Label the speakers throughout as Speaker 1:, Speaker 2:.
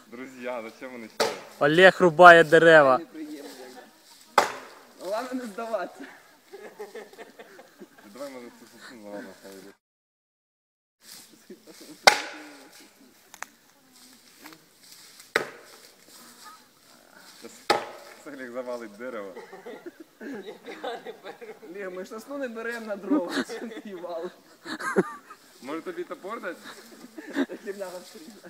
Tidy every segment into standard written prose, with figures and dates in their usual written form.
Speaker 1: Друзья, зачем вони сюди?
Speaker 2: Олег рубає дерева.
Speaker 3: Головне не здаватися.
Speaker 1: Давай, може, цю сосну, ладно, хай йде. Олег завалить дерево.
Speaker 3: Олег, ми ж сосну не беремо на дрова, і вал.
Speaker 1: Може тобі топор дати?
Speaker 3: Херня розстріляє.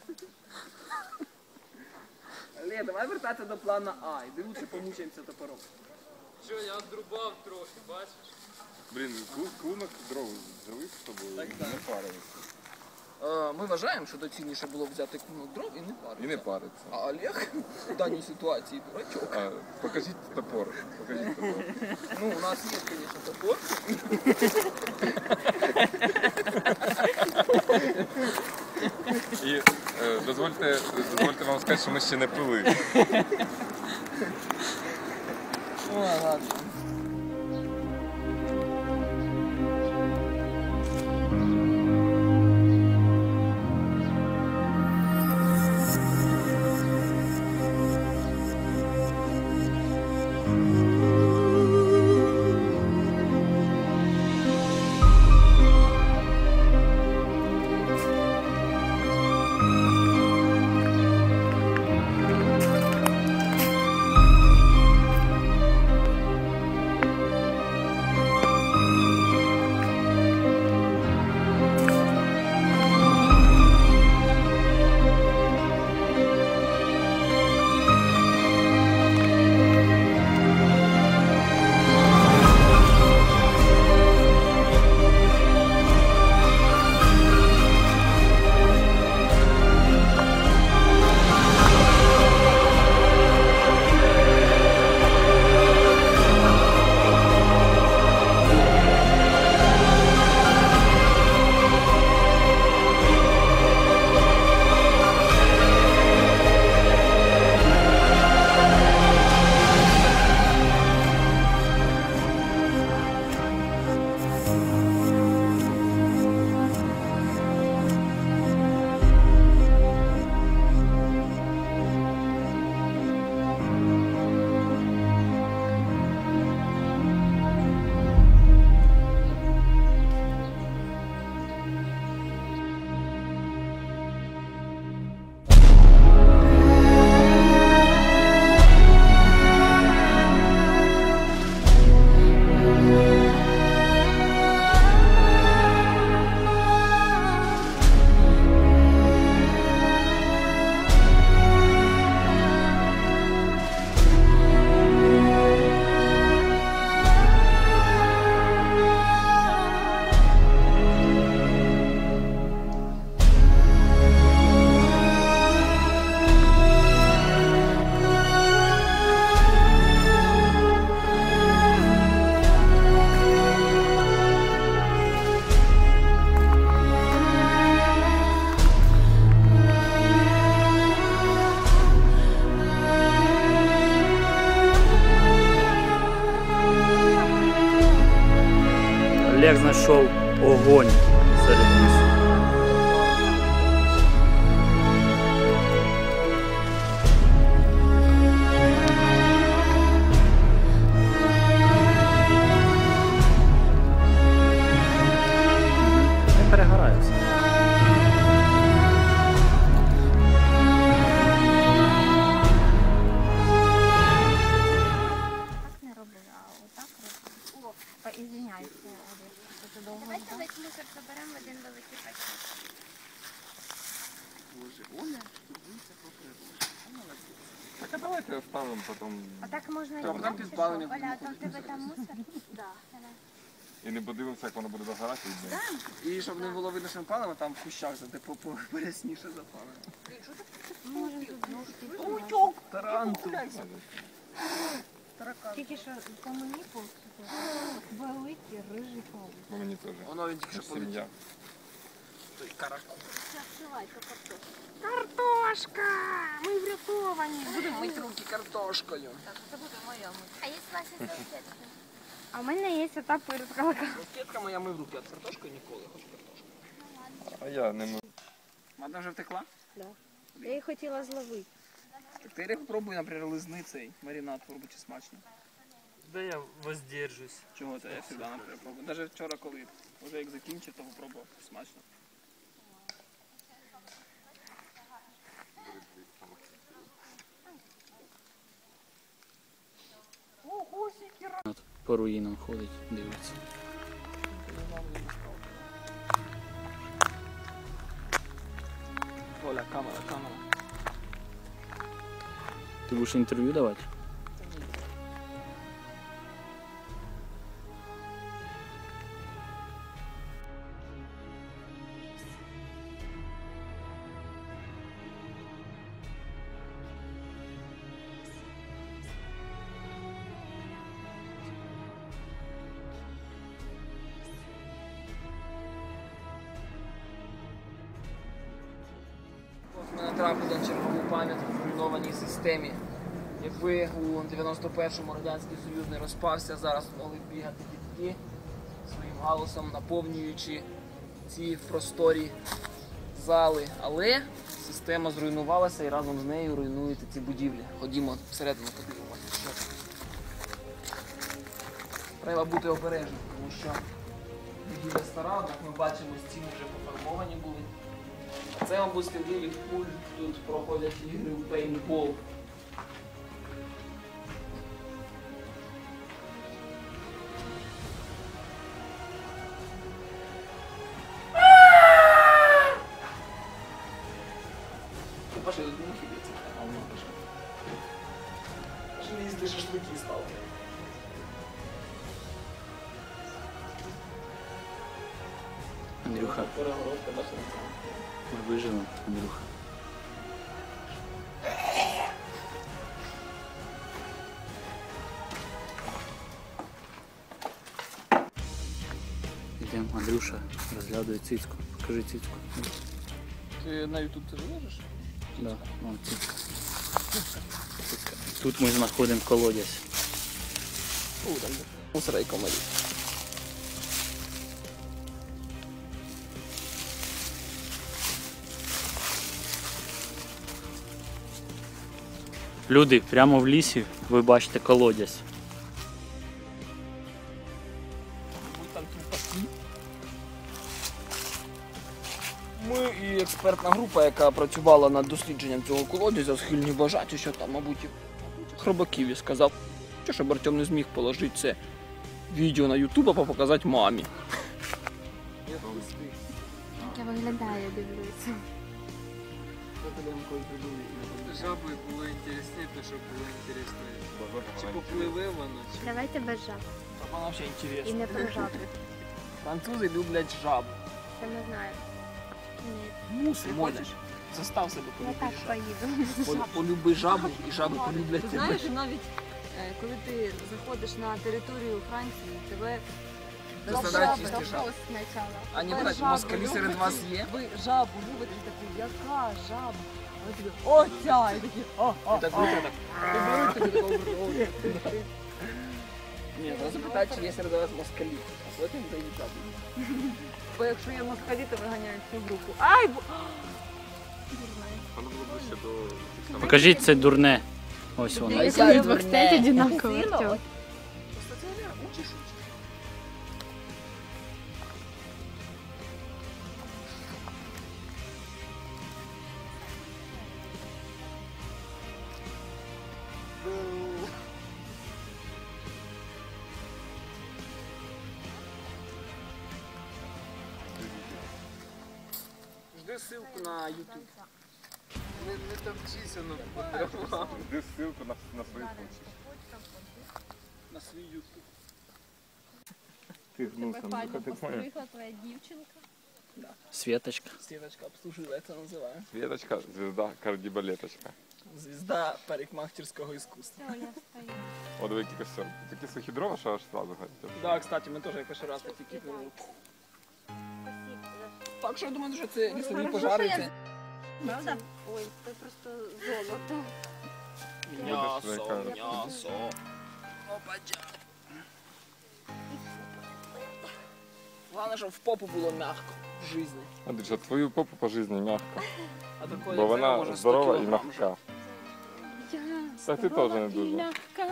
Speaker 3: Олег, давай вертатися до плану А, іди лучше помучаємося топором.
Speaker 4: Що, я одрубав трохи, бачиш?
Speaker 1: Блін, клунок дров взяли з собою, не парилися.
Speaker 3: Ми вважаємо, що доцільніше було взяти клунок дров і не паритися.
Speaker 1: І не париться.
Speaker 3: А Олег в даній ситуації дурачок.
Speaker 1: Покажіть топор. Покажіть топор.
Speaker 3: Ну, у нас є, звісно, топор.
Speaker 1: І дозвольте вам сказати, що ми ще не пили.
Speaker 3: О, ладно.
Speaker 2: Олег знайшов огонь серед лісу. Не перегорає все.
Speaker 5: Не роблю, а отак роблю. О, извиняюся, Олег, що ти довго.
Speaker 6: Давайте весь мусор заберемо в один великий пакет.
Speaker 3: Боже, Оля, турбується про природу.
Speaker 1: Так а давайте оставимо потім.
Speaker 6: А так можна і
Speaker 3: Там
Speaker 6: так, чи
Speaker 3: підпалення
Speaker 6: що? Оля, а там в
Speaker 3: будемо
Speaker 6: тебе там мусор? Так.
Speaker 1: І не подивимося, як воно буде догорати.
Speaker 3: І щоб не було видно, що ми палимо, там в кущах порясніше запалимо.
Speaker 5: Може тут
Speaker 3: Таранту.
Speaker 5: тільки що по мені великий рижий павук.
Speaker 1: Бо мені теж.
Speaker 3: Воно він тільки що полетів.
Speaker 1: Сім'я.
Speaker 3: Той каракул.
Speaker 5: Картошка! Ми врятовані!
Speaker 3: Будемо мити руки картошкою.
Speaker 6: А є у вас і салфетки?
Speaker 5: А в мене є ота пирскала.
Speaker 3: Кетка моя мив руки, а з картошкою ніколи. Хоч картошку.
Speaker 1: А я не можу.
Speaker 3: Вона вже втекла?
Speaker 5: Да. Я її хотіла зловити.
Speaker 3: Ти попробуй, наприклад, лизни цей маринад, попробуй, чи смачно.
Speaker 4: Да я воздержусь.
Speaker 3: Чого це? Я завжди, наприклад, пробую. Навіть вчора, коли вже як закінчив, то попробував. Смачно.
Speaker 2: По руїнам ходить, дивиться.
Speaker 3: Оля, камера, камера.
Speaker 2: Ти будеш інтерв'ю давати?
Speaker 3: Ми натрапили на чергову пам'ятку в руйнованій системі. Якби у 91-му Радянський Союз не розпався, зараз могли б бігати дітки своїм галасом, наповнюючи ці просторі зали. Але система зруйнувалася і разом з нею руйнуються ці будівлі. Ходімо всередину подивимося. Що це. Треба бути обережним, тому що будівля стара, як ми бачимо, стіни вже пофарбовані були. Це, мабуть, сліди від куль, тут проходять ігри в пейнтбол. Ти пошли, тут мухи б'ється, а воно пише. Пошли їсти шашлики стали.
Speaker 2: Андрюха,
Speaker 3: Перегородка, бачите?
Speaker 2: ми виживемо, Андрюха. Йдемо, Андрюша розглядує цицьку. Покажи цицьку.
Speaker 3: Ти на YouTube це виложиш?
Speaker 2: Да, вон цицька. Цицька. Тут ми знаходимо колодязь.
Speaker 3: Там мусора і комарі.
Speaker 2: Люди, прямо в лісі ви бачите колодязь.
Speaker 3: Там тюфаки. Ми і експертна група, яка працювала над дослідженням цього колодязя, схильні вважати, що там, мабуть, хробаків. Я сказав, що щоб Артем не зміг положити це відео на YouTube, а показати мамі.
Speaker 6: Як я виглядаю, дивлюся.
Speaker 4: Жаби було інтересніше, щоб було інтересно. Чи попливе воно, чи...
Speaker 5: Давайте без жаб.
Speaker 3: Вона взагалі
Speaker 5: І
Speaker 3: інтересна.
Speaker 5: не про жаби.
Speaker 3: Французи люблять жаб.
Speaker 5: Це ми знаємо. Ні,
Speaker 3: Муси, можеш. Застав себе
Speaker 5: я
Speaker 3: полюбити
Speaker 5: так
Speaker 3: жабу.
Speaker 5: поїду.
Speaker 3: Полюби жабу, і жаби полюблять
Speaker 7: Ти
Speaker 3: тебе.
Speaker 7: знаєш, навіть коли ти заходиш на територію Франції, тебе
Speaker 3: Заставляють їсти жаб.
Speaker 5: Вопрос спочатку.
Speaker 3: А не
Speaker 7: Ви
Speaker 3: брать,
Speaker 7: жабу
Speaker 3: москалі серед
Speaker 7: любите?
Speaker 3: вас є?
Speaker 7: ви жабу любите, і такий, яка жаба? А ви такі, о, ця! І такі,
Speaker 3: І так руки так. Ти беруть тобі такого. Ні, треба запитати, чи є серед вас москалі. А потім дають жабу.
Speaker 7: Бо якщо є москалі, то виганяють всю групу. Ай,
Speaker 1: Воно було ближче до...
Speaker 2: Покажіть це дурне. Ось воно.
Speaker 3: Якщо ви двох
Speaker 5: стоять одинаково, Артем.
Speaker 3: Учиш? Жди ссылку на YouTube.
Speaker 4: Не топчися, ну потрапляв.
Speaker 1: Де ссылку на свої случаї.
Speaker 3: На свій YouTube.
Speaker 1: Ти гнувся, ну ти поняв.
Speaker 5: Вийшла твоя дівчинка.
Speaker 2: Світочка.
Speaker 3: Світочка обслужила, як це називає.
Speaker 1: Світочка, звізда, кардібалеточка.
Speaker 3: Звізда парикмахерського іскусства.
Speaker 5: Все, я встаю.
Speaker 1: О, диви, який костюм. Такі сухі дрова, що аж сразу ходять.
Speaker 3: Так, кстати, ми теж якось раз такі кипнули. Так що я думаю, що це лісові пожари. Це
Speaker 5: Правда?
Speaker 6: Ой, це просто золото.
Speaker 3: м'ясо, м'ясо. Опача. Головне, щоб в попу було м'яко. в житті.
Speaker 1: Андрюша, твою попу по житті м'яка.
Speaker 3: А такої,
Speaker 1: Бо
Speaker 3: як тебе,
Speaker 1: вона
Speaker 3: може 100
Speaker 1: здорова і
Speaker 3: кілограм вже.
Speaker 1: м'яка. Так ти теж не дуже.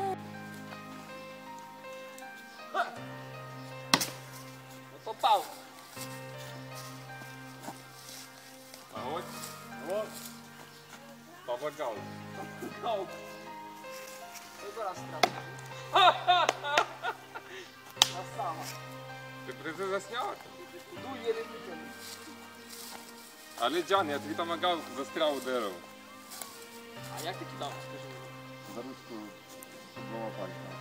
Speaker 3: Попав.
Speaker 1: А от помагав.
Speaker 3: Ау. Вибирай страшно. Красава.
Speaker 1: Ти призи засняв?
Speaker 3: Іду єлі витягну.
Speaker 1: Але Джан, я тобі помагав, застряв у дерево.
Speaker 3: А як ти кидав, скажи мені?
Speaker 1: За ручку двома пальцями.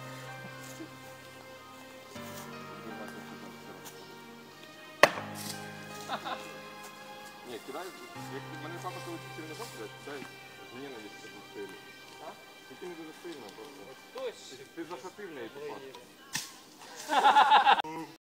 Speaker 1: Ні, кидай, як мене папа коли хотів не блядь, кидай з ненавистю по стилю. А? Тільки не дуже сильно просто.
Speaker 3: Хтось.
Speaker 1: Ти захопив неї попав.